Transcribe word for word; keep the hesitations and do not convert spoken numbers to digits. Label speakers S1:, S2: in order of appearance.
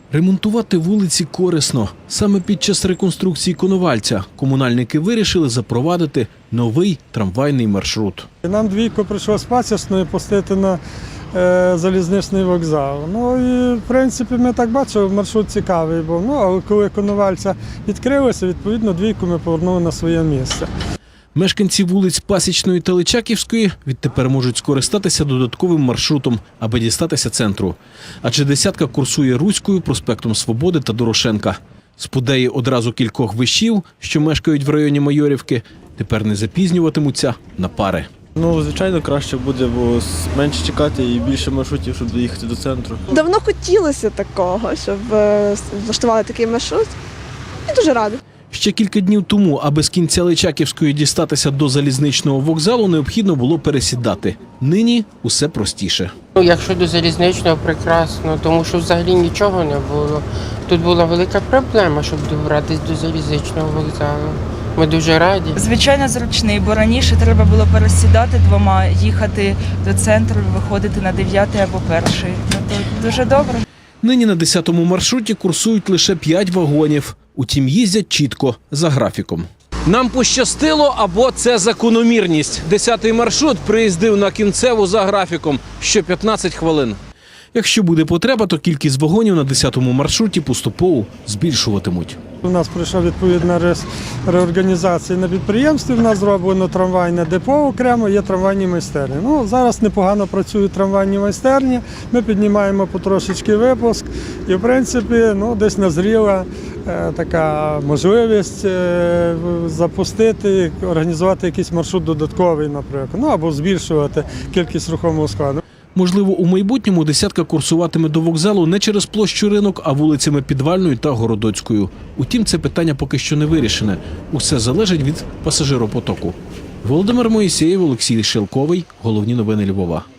S1: Ремонтувати вулиці корисно. Саме під час реконструкції Коновальця комунальники вирішили запровадити новий трамвайний маршрут.
S2: Нам двійко прийшлось пасічною пустити на е, залізничний вокзал. Ну і в принципі ми так бачили, маршрут цікавий був. Ну, але коли Коновальця відкрилося, відповідно двійку ми повернули на своє місце.
S1: Мешканці вулиць Пасічної та Личаківської відтепер можуть скористатися додатковим маршрутом, аби дістатися центру. Адже десятка курсує Руською, проспектом Свободи та Дорошенка. Спудеї одразу кількох вишів, що мешкають в районі Майорівки, тепер не запізнюватимуться на пари.
S3: Ну, звичайно, краще буде, бо менше чекати і більше маршрутів, щоб доїхати до центру.
S4: Давно хотілося такого, щоб е, влаштували такий маршрут. Я дуже рада.
S1: Ще кілька днів тому, аби з кінця Личаківської дістатися до залізничного вокзалу, необхідно було пересідати. Нині усе простіше.
S5: Ну, якщо до залізничного, прекрасно, тому що взагалі нічого не було. Тут була велика проблема, щоб добратися до залізничного вокзалу. Ми дуже раді.
S6: Звичайно, зручний, бо раніше треба було пересідати двома, їхати до центру, виходити на дев'ятий або перший. Ну, то дуже добре.
S1: Нині на десятому маршруті курсують лише п'ять вагонів. Утім, їздять чітко, за графіком. Нам пощастило, або це закономірність. Десятий маршрут приїздив на кінцеву за графіком, що п'ятнадцять хвилин. Якщо буде потреба, то кількість вагонів на десятому маршруті поступово збільшуватимуть.
S2: У нас пройшла відповідна реорганізація на підприємстві. У нас зроблено трамвайне депо окремо, є трамвайні майстерні. Ну, зараз непогано працюють трамвайні майстерні, ми піднімаємо потрошечки випуск. І, в принципі, ну, десь назріла е, така можливість е, запустити, організувати якийсь маршрут додатковий, наприклад, ну, або збільшувати кількість рухомого складу.
S1: Можливо, у майбутньому десятка курсуватиме до вокзалу не через площу Ринок, а вулицями Підвальною та Городоцькою. Утім, це питання поки що не вирішене. Усе залежить від пасажиропотоку. Володимир Моїсеєв, Олексій Шелковий. Головні новини Львова.